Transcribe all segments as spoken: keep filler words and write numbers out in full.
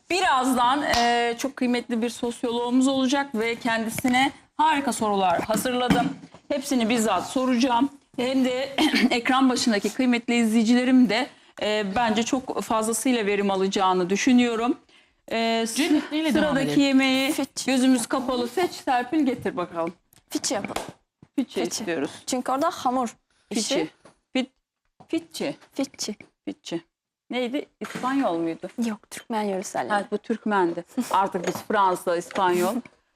Birazdan e, çok kıymetli bir sosyoloğumuz olacak ve kendisine harika sorular hazırladım. Hepsini bizzat soracağım. Hem de ekran başındaki kıymetli izleyicilerim de e, bence çok fazlasıyla verim alacağını düşünüyorum. E, Cennet, neyle devam sıradaki edelim? yemeği Fiç. gözümüz kapalı seç, Serpil getir bakalım. Fiçi yapalım. Fitçi Fiçi. istiyoruz. Çünkü orada hamur işi. Fitçi. Fit, fitçi. Fiçi. Fitçi. Neydi? İspanyol muydu? Yok, Türkmen yöreselleri. Evet, bu Türkmendi. Artık biz Fransa, İspanyol.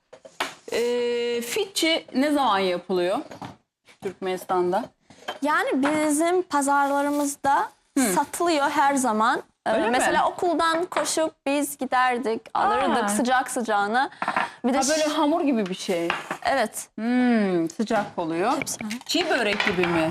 Ee, Fitçi ne zaman yapılıyor Türkmenistan'da? Yani bizim pazarlarımızda satılıyor her zaman. Ee, Öyle mi? mesela okuldan koşup biz giderdik, alırdık Aa. sıcak sıcağına. Bir de Ha, böyle hamur gibi bir şey. evet. Hmm, sıcak oluyor. Hepsi. Çiğ börek gibi mi?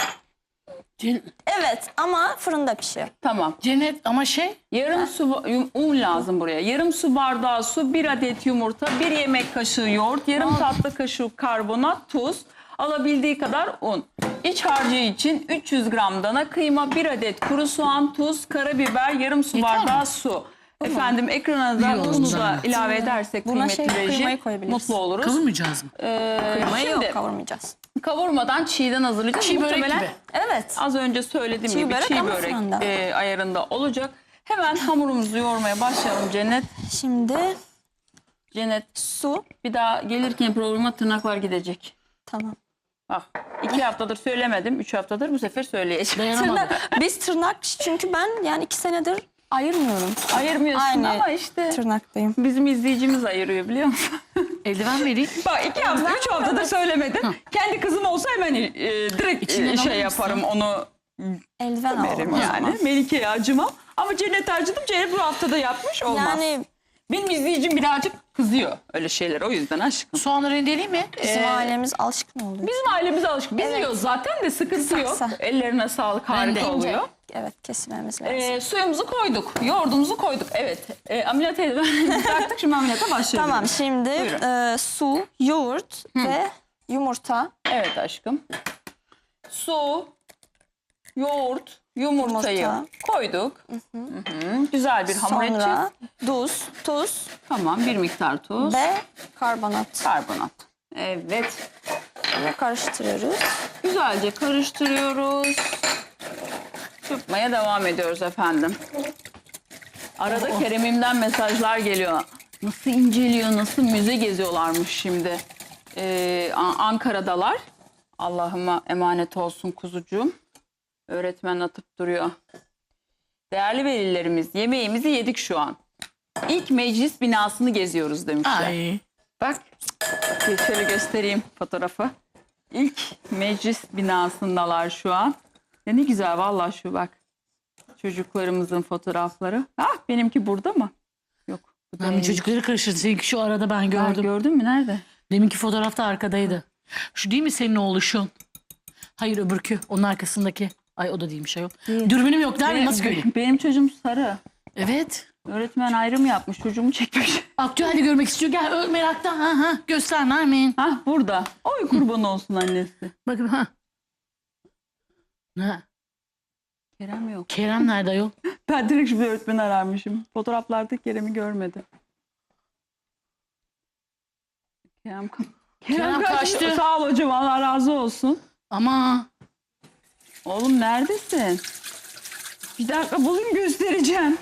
Cen- Evet ama fırında pişiyor. Tamam. Cennet ama şey Yarım su yum- un lazım buraya. Yarım su bardağı su, bir adet yumurta, bir yemek kaşığı yoğurt, yarım tatlı kaşığı karbonat, tuz, alabildiği kadar un. İç harcı için üç yüz gram dana kıyma, bir adet kuru soğan, tuz, karabiber, yarım su Yeter bardağı mi? su. Efendim ekrana da İyi oldu unu da zahmet. ilave edersek Buna kıymetli şey, reji kıymayı koyabiliriz. mutlu oluruz. kavurmayacağız mı? Ee, Kıymayı şimdi yok, kavurmayacağız. kavurmadan çiğden hazırlayacağız. Çiğ börek Muhtemelen gibi. Evet. az önce söylediğim Çiğ gibi börek çiğ ama börek fırında. e, ayarında olacak. Hemen hamurumuzu yoğurmaya başlayalım Cennet. Şimdi Cennet su. bir daha gelirken programa tırnaklar gidecek. Tamam. Bak iki haftadır söylemedim. Üç haftadır bu sefer söyleyeceğim. Dayanamadım. Tırnak, biz tırnak çünkü ben yani iki senedir ayırmıyorum. Ayırmıyorsun Aynı ama işte tırnaktayım. bizim izleyicimiz ayırıyor biliyor musun? Eldiven vereyim. Bak iki hafta, üç haftadır söylemedim. Kendi kızım olsa hemen e, direkt İçinden e, şey alır mısın? yaparım onu Eldiven veririm alalım o yani. zaman. Melike'ye acımam. Ama Cennet acıdım. Cennet bu haftada yapmış olmaz. Yani Benim izleyicim birazcık kızıyor öyle şeyler. O yüzden aşkım. Soğanı rendeleyeyim mi? bizim Ee, ailemiz alışkın oluyor. Bizim ailemiz alışkın. Biz Evet. yiyoruz zaten de sıkıntı Kısa yok. kısa. Ellerine sağlık, Ben harika de. oluyor. Evet, kesilmemiz lazım. Ee, suyumuzu koyduk. Yoğurdumuzu koyduk. Evet. Ee, ameliyat eldivenimizi taktık. Şimdi ameliyata başlayalım. Tamam, şimdi Buyurun. e, su, yoğurt ve yumurta. Evet aşkım. Su, yoğurt, yumurtayı Yumurta. koyduk. Hı hı. Güzel bir hamur edeceğiz. Sonra tuz, tuz Tamam, bir miktar tuz. ve karbonat. Karbonat. Evet. Ve karıştırıyoruz. Güzelce karıştırıyoruz. Çırpmaya devam ediyoruz efendim. Arada Kerem'imden mesajlar geliyor. Nasıl inceliyor, nasıl müze geziyorlarmış şimdi. Ee, An- Ankara'dalar. Allah'ıma emanet olsun kuzucuğum. Öğretmen atıp duruyor. Değerli velilerimiz, yemeğimizi yedik şu an. İlk meclis binasını geziyoruz demişler. Ay. Bak, şöyle göstereyim fotoğrafı. İlk meclis binasındalar şu an. Ya ne güzel vallahi şu bak. Çocuklarımızın fotoğrafları. Ah benimki burada mı? Yok. bu Ben bir değil. çocukları karıştırdım. Seninki şu arada ben Ha, gördüm. gördün mü? Nerede? Deminki fotoğrafta arkadaydı. Şu değil mi senin oğluşun? Hayır öbürkü. Onun arkasındaki. Ay o da değilmiş ayol. Değil. Dürbünüm yok. Nerede? Benim, Nasıl göreyim? benim çocuğum sarı. Evet. Öğretmen ayrım yapmış. Çocuğumu çekmiş. Aktüelde görmek istiyor. Gel öl meraktan. Ha ha. Göster Nermin. Hah burada. Oy kurban olsun annesi. Bakın ha. Ne? Kerem yok. Kerem nerede ayol? Ben direkt şimdi öğretmen ararmışım. Fotoğraflarda Kerem'i görmedim. Kerem, Kerem kaçtı. Sağ ol hocam, Allah razı olsun. Ama Oğlum neredesin? Bir dakika bulayım göstereceğim.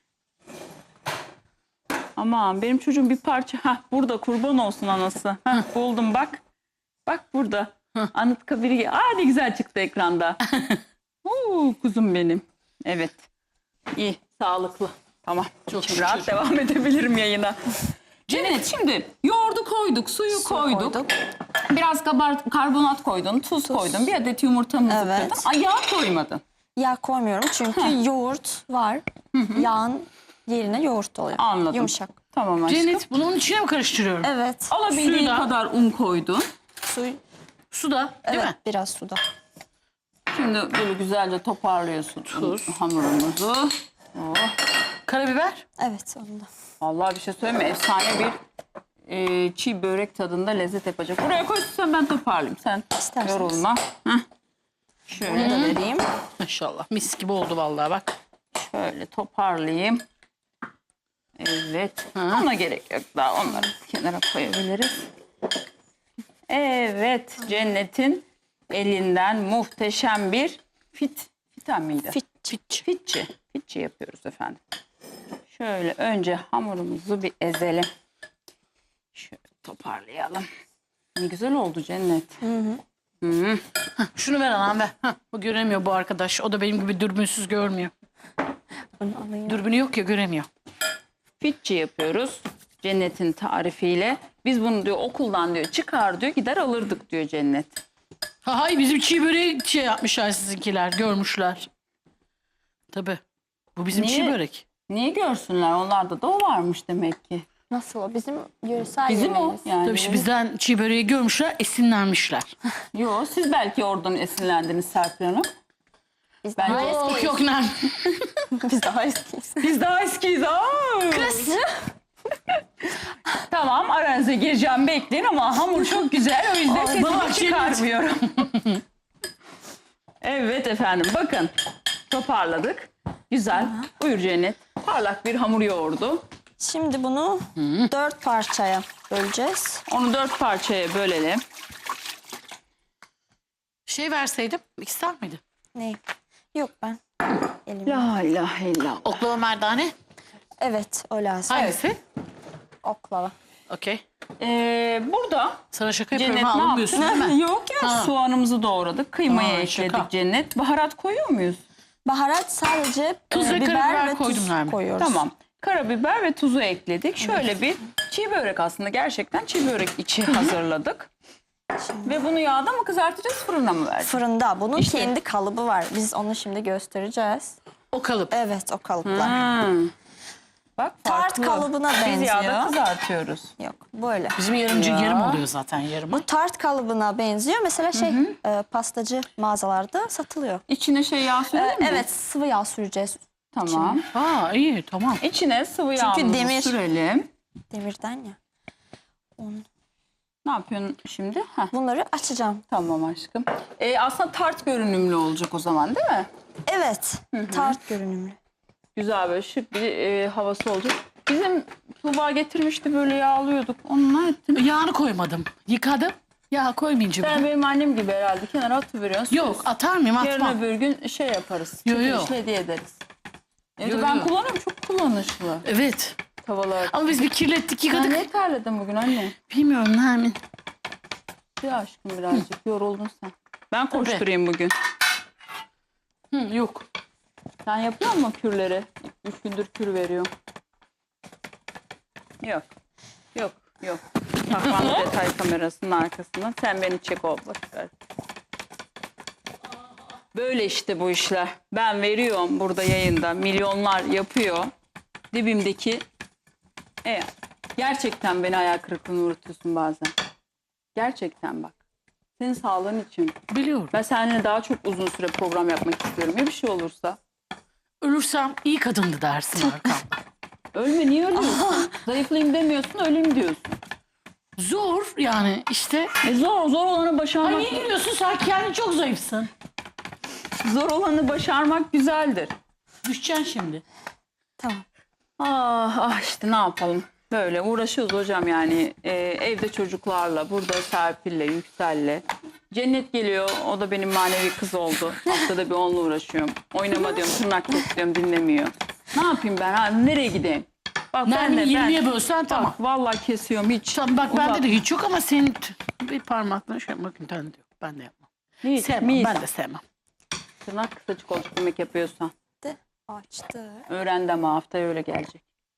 Aman benim çocuğum bir parça. Hah burada kurban olsun anası. Hah, buldum bak. Bak burada. Anıtkabir'i. Aa ne güzel çıktı ekranda. Oo, kuzum benim. Evet. İyi, sağlıklı. Tamam. Çok Şimdi rahat şükür. devam edebilirim yayına. Cennet şimdi yoğurdu koyduk, suyu Su koyduk. koyduk. Biraz kabar, karbonat koydun, tuz, koydun. Bir adet yumurtamızı Evet. koydun. Ay yağ koymadın. Yağ koymuyorum çünkü yoğurt var. Yağın yerine yoğurt oluyor. Anladım. Yumuşak. Tamam aşkım. Cennet bunu onun içine mi karıştırıyorum? Evet. Alabildiğin Suyu da. kadar un koydun. Su, Su da değil evet, mi? biraz suda. Şimdi böyle güzelce toparlıyorsun Tuz. hamurumuzu. Oh. Karabiber. Evet, onda. Vallahi bir şey söyleyeyim mi? Efsane bir e, çiğ börek tadında lezzet yapacak. Buraya koysun ben toparlayayım. Sen İsterseniz. yorulma. Heh. Bunu Şöyle, da vereyim. Maşallah mis gibi oldu vallahi bak. şöyle toparlayayım. Evet. Ona gerek yok daha. Onları kenara koyabiliriz. Evet. Cennet'in elinden muhteşem bir fit. Fitan mıydı? Fit. Fitçi. Fitçi yapıyoruz efendim. Şöyle önce hamurumuzu bir ezelim. Şöyle toparlayalım. Ne güzel oldu Cennet. Hı hı. Hı. Şunu ver anam ver. Hah, bu göremiyor bu arkadaş. O da benim gibi dürbünsüz görmüyor. Bunu alayım. Dürbünü yok ya göremiyor. Fitçi yapıyoruz. Cennet'in tarifiyle. Biz bunu diyor okuldan diyor çıkar diyor gider alırdık diyor Cennet. Ha, hay bizim çiğ böreği şey yapmışlar sizinkiler. Görmüşler. Tabii. Bu bizim Niye? çiğ börek. Niye görsünler? Onlarda da o varmış demek ki. Nasıl o? Bizim yöresel Bizim o yemeğimiz. yani. Tabii işte bizden çiğ böreği görmüşler, esinlenmişler. Yo, siz belki oradan esinlendiniz Serpil Hanım. Biz Ben- daha Yok eskiyiz. yok lan. Biz daha eskiyiz. Biz daha eskiyiz. Kız. Tamam aranıza gireceğim bekleyin ama hamur çok güzel o yüzden sesimi bak, çıkarmıyorum. Evet efendim bakın toparladık. Güzel. Buyur Cennet. Parlak bir hamur yoğurdu. Şimdi bunu dört parçaya böleceğiz. Onu dört parçaya bölelim. Şey verseydim ister miydin? Ne? Yok ben. Elimle. La ilahe illallah. Oklava merdane. Evet o lazım. Hangisi? Oklava. Okey. Ee, burada Sana şaka Cennet yapıyorum ne ha almıyorsun değil yaptı? mi? Yok ya Ha. soğanımızı doğradık. Kıymayı Aa, ekledik şaka. Cennet. Baharat koyuyor muyuz? Baharat sadece Tuz e, ve biber karabiber ve koydum tuz Nermin. koyuyoruz. Tamam. Karabiber ve tuzu ekledik. Şöyle bir çiğ börek aslında gerçekten çiğ börek içi hazırladık. Ve bunu yağda mı kızartacağız fırına mı vereceğiz? Fırında. Bunun İşte. kendi kalıbı var. Biz onu şimdi göstereceğiz. O kalıp. Evet o kalıplar. Hmm. Bak Tart farklı. kalıbına Biz yağda benziyor. kızartıyoruz. Yok böyle. Bizim yarımcı Ya. yarım oluyor zaten yarımı. Bu tart kalıbına benziyor. Mesela şey e, pastacı mağazalarda satılıyor. İçine şey yağ E, sürelim mi? evet sıvı yağ süreceğiz Tamam. Aa iyi tamam. İçine sıvı Çünkü yağımızı demir. sürelim. demirden ya. Ne yapıyorsun şimdi? Heh, Bunları açacağım. tamam aşkım. Ee, aslında tart görünümlü olacak o zaman değil mi? Evet. Tart görünümlü. Güzel böyle şık bir e, havası olacak. Bizim Tuğba getirmişti böyle yağlıyorduk. Onu ne ettin? Yağını koymadım. Yıkadım. Yağ koymayınca Sen bile. benim annem gibi herhalde kenara atıveriyorsun. Yok atar mıyım Yarın atmam. öbür gün şey yaparız. Yo, yo. Çekilişle hediye ederiz. Evet, Yo, ben yo. kullanıyorum çok kullanışlı Evet. tavalar. Ama biz bir kirlettik Sen yıkadık. ne terledin bugün anne? Bilmiyorum Nermin. Bir aşkım birazcık yoruldun sen. Ben koşturayım bugün. Hı, yok. Sen yapıyor musun kürleri? Üç gündür kür veriyorum. Yok. Yok. Yok. Tahmanlı detay kamerasının arkasından. Sen beni çek ol. Boşver. Böyle işte bu işler. Ben veriyorum burada yayında. Milyonlar yapıyor. Dibimdeki. E, gerçekten beni hayal kırıklığına uğratıyorsun bazen. Gerçekten bak. Senin sağlığın için. Biliyorum. Ben seninle daha çok uzun süre program yapmak istiyorum. Ya bir şey olursa? Ölürsem iyi kadındı dersin arkamda. Ölme niye ölüyorsun? Zayıflayayım demiyorsun öleyim diyorsun. Zor yani işte. E zor zor olanı başarmak. Ay niye gülüyorsun sen kendin çok zayıfsın. Zor olanı başarmak güzeldir. Düşeceksin şimdi. Tamam. Ah ah işte ne yapalım. Böyle uğraşıyoruz hocam yani Ee, evde çocuklarla, burada Serpil'le, Yüksel'le. Cennet geliyor, o da benim manevi kız oldu. Haftada bir onunla uğraşıyorum. Oynama diyorum, tırnak kes diyorum, dinlemiyor. Ne yapayım ben ha, nereye gideyim? Bak Nermin ben de yirmiye ben, bölsen tamam. bak, vallahi kesiyorum hiç. Tamam bak uzat- bende de hiç yok ama senin t- bir parmakla şey yapmak imkanı yok. Ben de yapmam. Hiç, Sevmem mis. ben de sevmem. Tırnak kısacık olacak yemek yapıyorsan. De, açtı. Öğrendi ama haftaya öyle gelecek.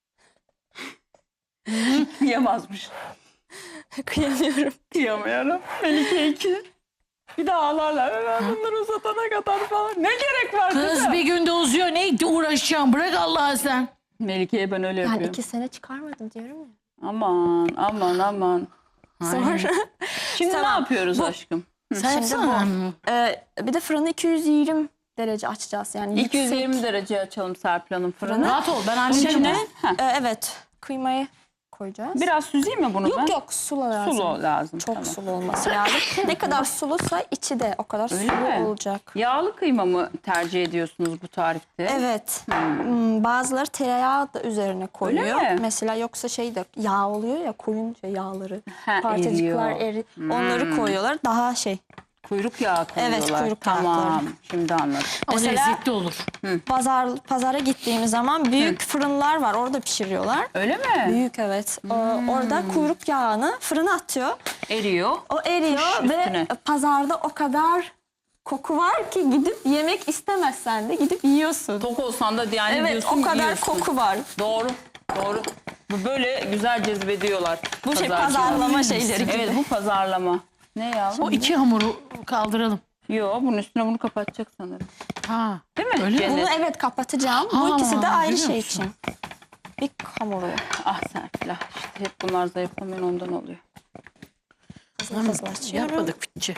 Yiyemezmiş. Kıyamıyorum. Kıyamıyorum. Melike iki. Bir daha ağlarlar. Ben bunları uzatana kadar falan. Ne gerek var Kız kızım? bir günde uzuyor ne uğraşacağım bırak Allah'a sen. Melike'ye ben öyle Yani yapıyorum. iki sene çıkarmadım diyorum ya. Aman aman aman. Sonra Şimdi Tamam. ne yapıyoruz Bu- aşkım? Sen Şimdi yapsana. e, bir de fırını iki yüz yirmi derece açacağız. Yani iki yüz yirmi yüksek. derece açalım Serpil Hanım fırını. Rahat ol ben Bunun hallederim. içine onu. E, evet kıymayı koyacağız. Biraz süzeyim mi bunu ben? Yok yok sulu lazım. Sulu lazım. Çok tamam. sulu olması lazım. Ne kadar suluysa içi de o kadar Öyle sulu mi? olacak. Yağlı kıyma mı tercih ediyorsunuz bu tarifte? Evet. Hmm, Bazıları tereyağı da üzerine koyuyor. mi? Mesela yoksa şey de yağ oluyor ya koyunca yağları. Ha, Parçacıklar eriyor. eri. Onları koyuyorlar. Daha şey. Kuyruk yağı koyuyorlar. Evet, kuyruk Tamam, yağları. şimdi anladım. Ama Mesela- lezzetli olur. Pazar pazara gittiğimiz zaman büyük fırınlar var. Orada pişiriyorlar. Öyle mi? Büyük evet. O- Orada kuyruk yağını fırına atıyor. Eriyor. O eriyor Kuş ve üstüne. pazarda o kadar koku var ki gidip yemek istemezsen de gidip yiyorsun. Tok olsan da yani Evet diyorsun o kadar yiyorsun. koku var. Doğru, doğru. Bu böyle güzel cezbediyorlar. Bu şey pazarcılar. pazarlama şeyleri gibi. Evet bu pazarlama. Ne ya? O iki hamuru kaldıralım. Yo bunun üstüne bunu kapatacak sanırım. Ha. Değil mi? Öyle mi? Cennet? Bunu evet kapatacağım. Bu Aa, ikisi de ayrı biliyor şey musun? için. Bir hamuru. Ah Serpil ah. İşte hep bunlar zayıflamayan ondan oluyor. Hızlı hızlı açıyorum. Yapmadık fıçı.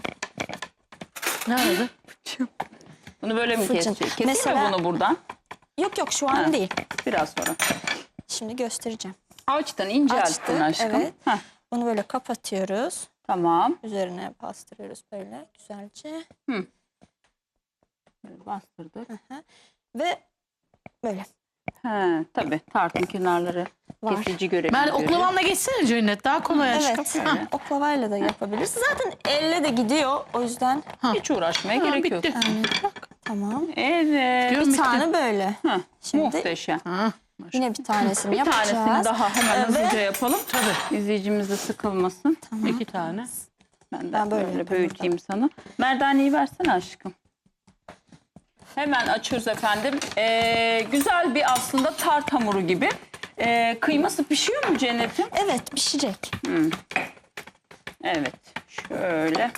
Ne aradı? Bunu böyle mi Fırçın. keseceğiz? Keseyim Mesela- mi bunu buradan? Yok yok şu an Ha. değil. Biraz sonra. Şimdi göstereceğim. Açtın ince Açtı, açtın aşkım. evet. Heh, Bunu böyle kapatıyoruz. tamam. Üzerine bastırıyoruz böyle güzelce. Böyle bastırdık. Ve böyle He, tabii tartın kenarları var. kesici görevi Ben görüyor. oklavanla geçsene Cennet. Daha kolay aşkım. Evet. Ha. Oklavayla da yapabilirsin. Zaten elle de gidiyor. O yüzden Hiç uğraşmaya Ha, gerek yok. bitti. tamam. Evet. Diyorum Bir bitti. tane böyle. Heh, Şimdi muhteşem. Ha. yine bir tanesini Bir yapacağız. tanesini daha hemen Ve- hızlıca yapalım. Tabii. İzleyicimiz de sıkılmasın. İki tane. Ben de Ben böyle böyle, yapayım büyüteyim sana. Merdaneyi versene aşkım. Hemen açıyoruz efendim. Ee, güzel bir aslında tart hamuru gibi. Ee, kıyması pişiyor mu Cennet'im? Evet pişecek. Evet. Şöyle.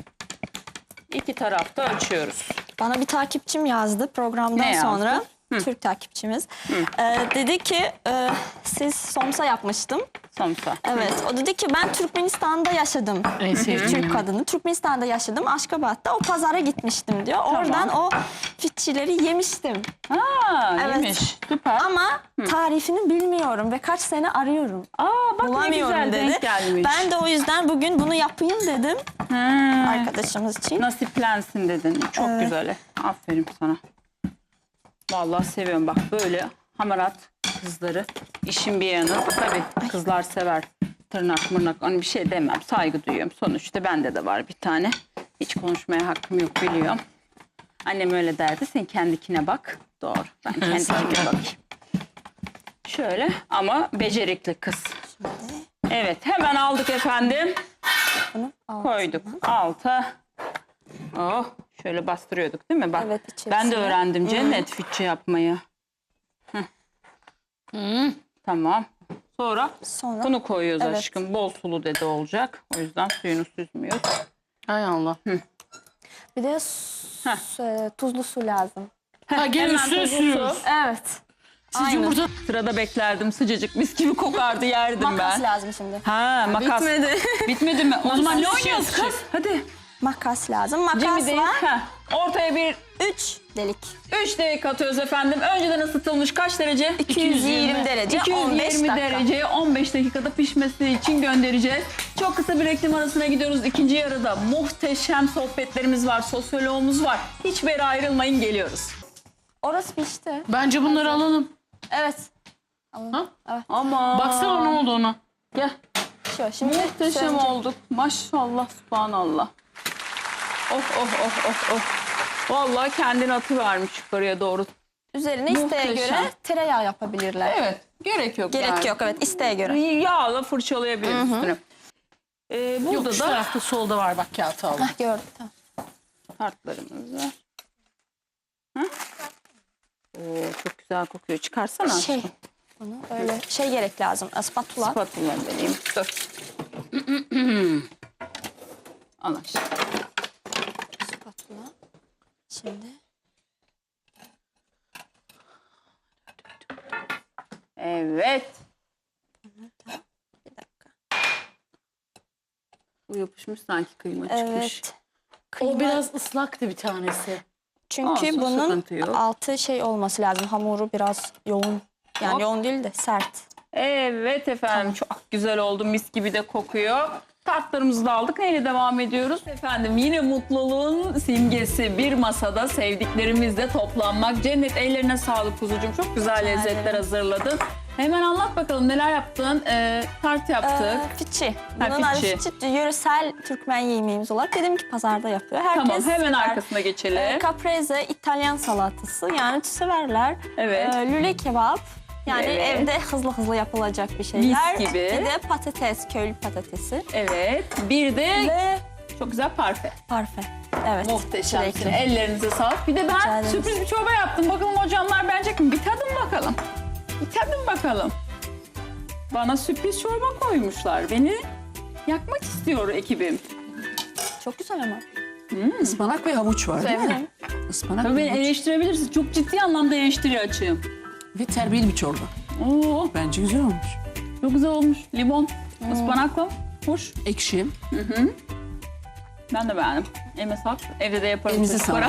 İki tarafta açıyoruz. Bana bir takipçim yazdı programdan Ne yazdı? sonra. Türk takipçimiz. Ee, dedi ki e, siz somsa yapmıştım. Samsa. Evet. O dedi ki ben Türkmenistan'da yaşadım. En sevdiğim. Türk kadını. Türkmenistan'da yaşadım. Aşkabat'ta o pazara gitmiştim diyor. Oradan o fitçileri yemiştim. Aa, Evet. iyiymiş. Süper. Ama tarifini bilmiyorum ve kaç sene arıyorum. Aa, bak ne Bulamıyorum güzel dedi. denk gelmiş. Ben de o yüzden bugün bunu yapayım dedim Ha, arkadaşımız için. nasiplensin dedin. Çok Evet. güzel. Aferin sana. Vallahi seviyorum bak böyle hamarat kızları. İşin bir yanı. Tabii kızlar sever. Tırnak mırnak hani bir şey demem. Saygı duyuyorum. Sonuçta bende de var bir tane. Hiç konuşmaya hakkım yok biliyorum. Annem öyle derdi. Sen kendikine bak. Doğru. Ben kendikine bakayım. Şöyle ama becerikli kız. Evet hemen aldık efendim. Bunu al. Koyduk alta. Oh şöyle bastırıyorduk değil mi? Bak Evet, içerisine. ben de öğrendim Cennet fitçe yapmayı. Heh. Hı. Tamam. Sonra Sonra bunu koyuyoruz Evet. aşkım. Bol sulu dedi olacak. O yüzden suyunu süzmüyoruz. Hay Allah. bir de su- e, tuzlu su lazım. Ha, gel Hemen üstüne tuzlu sürüyoruz. su. Evet. Siz Aynen. yumurta Sırada beklerdim sıcacık mis gibi kokardı yerdim Makas ben. lazım şimdi. Ha makas. Bitmedi. Bitmedi mi? O zaman ne Makas oynuyoruz şey- kız? Hadi. Makas lazım. Makas Cem'i değil. var. Ha. Ortaya bir üç delik. üç dakika atıyoruz efendim. Önceden ısıtılmış kaç derece? iki yüz yirmi derece, on beş iki yüz yirmi dakika. dereceye on beş dakikada pişmesi için göndereceğiz. Çok kısa bir reklam arasına gidiyoruz. İkinci yarıda muhteşem sohbetlerimiz var. Sosyoloğumuz var. Hiçbir yere ayrılmayın geliyoruz. Orası pişti. Bence bunları alalım. Evet. Ha? Ama Baksana ne oldu ona. Gel. Şu şimdi Muhteşem sönecek. olduk. Maşallah subhanallah. Oh oh oh oh oh. Vallahi kendini atıvermiş yukarıya doğru. Üzerine isteğe Muhteşem. göre tereyağı yapabilirler. Evet. Gerek yok. Gerek yani. yok evet isteğe göre. Yağla fırçalayabiliriz üstüne. Ee, burada Yok şu da tarafta solda var bak kağıt aldım. Hah gördüm tamam. tartlarımız var. Hı? Oo, çok güzel kokuyor. Çıkarsana. Şey bunu öyle şey gerek lazım. Spatula. Spatula vereyim. Dur. Al aşağı. Spatula. Şimdi Evet. bir dakika. Bu yapışmış sanki kıyma çıkmış. Evet. O Kıyma- biraz ıslaktı bir tanesi. Çünkü Olsun, bunun sıkıntı yok. altı şey olması lazım. Hamuru biraz yoğun. Yani Hop. yoğun değil de sert. Evet efendim, çok güzel oldu, mis gibi de kokuyor. Tartlarımızı da aldık. Neyle devam ediyoruz? Efendim yine mutluluğun simgesi bir masada sevdiklerimizle toplanmak. Cennet, ellerine sağlık kuzucuğum. Çok güzel lezzetler ederim. hazırladın. Hemen anlat bakalım neler yaptın? Ee, tart yaptık. Ee, fiçi. Ha, Bunun adı fiçi. fiçi. Yöresel Türkmen yemeğimiz olarak dedim ki pazarda yapıyor. Herkes Tamam, hemen sever. arkasına geçelim. Ee, caprese, İtalyan salatası, yani severler. Evet. Ee, lüle kebap. Yani Evet. evde hızlı hızlı yapılacak bir şeyler. Mis gibi. Bir de patates, köylü patatesi. Evet. Bir de Ve çok güzel parfe. parfe. Evet. Muhteşemsin. çilekli. Ellerinize sağlık. Bir de Rica ben ederiz. sürpriz bir çorba yaptım. Bakalım hocamlar beğenecek mi? Bir tadın bakalım. Bir tadın bakalım. Bana sürpriz çorba koymuşlar. Beni yakmak istiyor ekibim. Çok güzel ama. Ispanak ve havuç var değil mi? Sevdim. Ispanak Tabii ve beni havuç. eleştirebilirsiniz. Çok ciddi anlamda eleştiri açığım. Ve terbiyeli bir çorba. Oo, Bence güzel olmuş. çok güzel olmuş. Limon, ıspanakla. Hoş. Ekşi. Ben de beğendim. Elime sağlık. Evde de yaparım. Elinize çocuklara.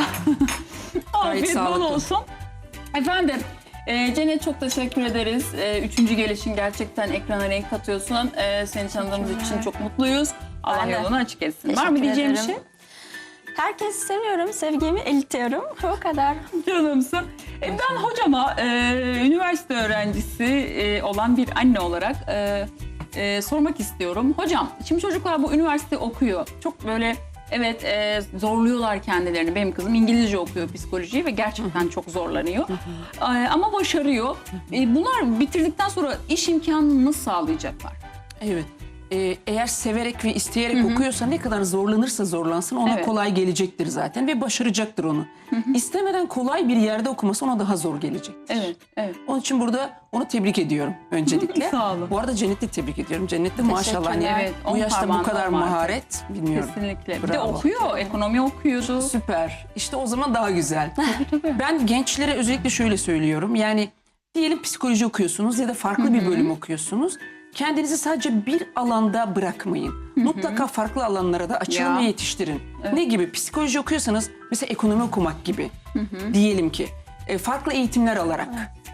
Gayet Afiyet bol sağlıklı. olsun. Efendim, e, Cennet çok teşekkür ederiz. E, üçüncü gelişin gerçekten ekrana renk katıyorsun. E, seni tanıdığımız için çok mutluyuz. Allah Ben de. yolunu açık etsin. Var Teşekkür mı diyeceğim bir ederim. şey? Herkesi seviyorum, sevgimi iletiyorum. O kadar. Canımsın. E, ben hocama e, üniversite öğrencisi e, olan bir anne olarak e, e, sormak istiyorum. Hocam, şimdi çocuklar bu üniversite okuyor. Çok böyle evet e, zorluyorlar kendilerini. Benim kızım İngilizce okuyor, psikolojiyi ve gerçekten çok zorlanıyor. E, ama başarıyor. E, bunlar bitirdikten sonra iş imkanını nasıl sağlayacaklar? Evet. Ee, eğer severek ve isteyerek okuyorsa ne kadar zorlanırsa zorlansın ona Evet. kolay gelecektir zaten ve başaracaktır onu. İstemeden kolay bir yerde okuması ona daha zor gelecektir. Evet, evet. Onun için burada onu tebrik ediyorum öncelikle. Sağ olun. Bu arada Cennet'i tebrik ediyorum. Cennet'te maşallah hani Evet, on bu yaşta bu parmağında kadar var. maharet bilmiyorum. Kesinlikle. Bir de Bravo. okuyor, ekonomi okuyordu. Süper. İşte o zaman daha güzel. Ben gençlere özellikle şöyle söylüyorum. Yani diyelim psikoloji okuyorsunuz ya da farklı bir bölüm okuyorsunuz. Kendinizi sadece bir alanda bırakmayın. Mutlaka farklı alanlara da açılın Ya. ve yetiştirin. Ne gibi? Psikoloji okuyorsanız mesela ekonomi okumak gibi. Diyelim ki e, farklı eğitimler alarak,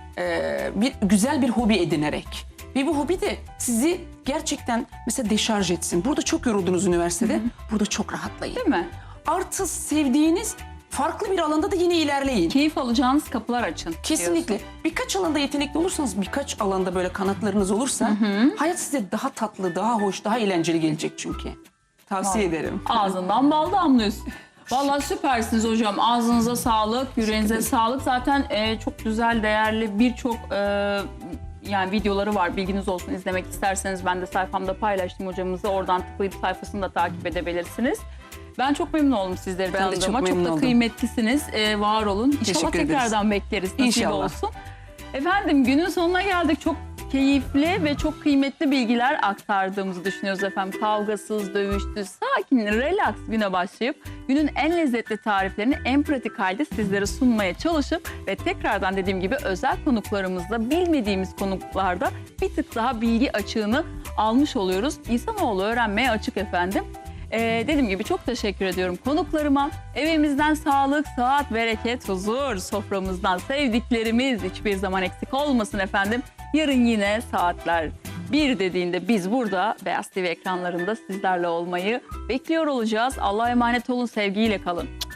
e, bir güzel bir hobi edinerek ve bu hobi de sizi gerçekten mesela deşarj etsin. Burada çok yoruldunuz üniversitede. Burada çok rahatlayın. Değil mi? Artı sevdiğiniz farklı bir alanda da yine ilerleyin. Keyif alacağınız kapılar açın. Kesinlikle. diyorsun. Birkaç alanda yetenekli olursanız, birkaç alanda böyle kanatlarınız olursa hayat size daha tatlı, daha hoş, daha eğlenceli gelecek çünkü. Tavsiye ederim. Ağzından bal damlıyorsun. Vallahi süpersiniz hocam. Ağzınıza sağlık, yüreğinize sağlık. Zaten e, çok güzel, değerli birçok e, yani videoları var. Bilginiz olsun. İzlemek isterseniz ben de sayfamda paylaştım hocamızı. Oradan tıklayıp sayfasını da takip edebilirsiniz. Ben çok memnun oldum sizleri Ben de çok tanıdığıma. Çok, memnun da oldum. kıymetlisiniz. E, var olun. İnşallah Teşekkür ederiz. tekrardan bekleriz. Nasip İnşallah. olsun. Efendim günün sonuna geldik. Çok keyifli ve çok kıymetli bilgiler aktardığımızı düşünüyoruz efendim. Kavgasız, dövüşsüz, sakin, relax güne başlayıp günün en lezzetli tariflerini en pratik halde sizlere sunmaya çalışıp ve tekrardan dediğim gibi özel konuklarımızla bilmediğimiz konuklarda bir tık daha bilgi açığını almış oluyoruz. İnsanoğlu öğrenmeye açık efendim. Ee, dediğim gibi çok teşekkür ediyorum konuklarıma. Evimizden sağlık, sıhhat, bereket, huzur, soframızdan sevdiklerimiz hiçbir zaman eksik olmasın efendim. Yarın yine saatler bir dediğinde biz burada Beyaz T V ekranlarında sizlerle olmayı bekliyor olacağız. Allah'a emanet olun, sevgiyle kalın.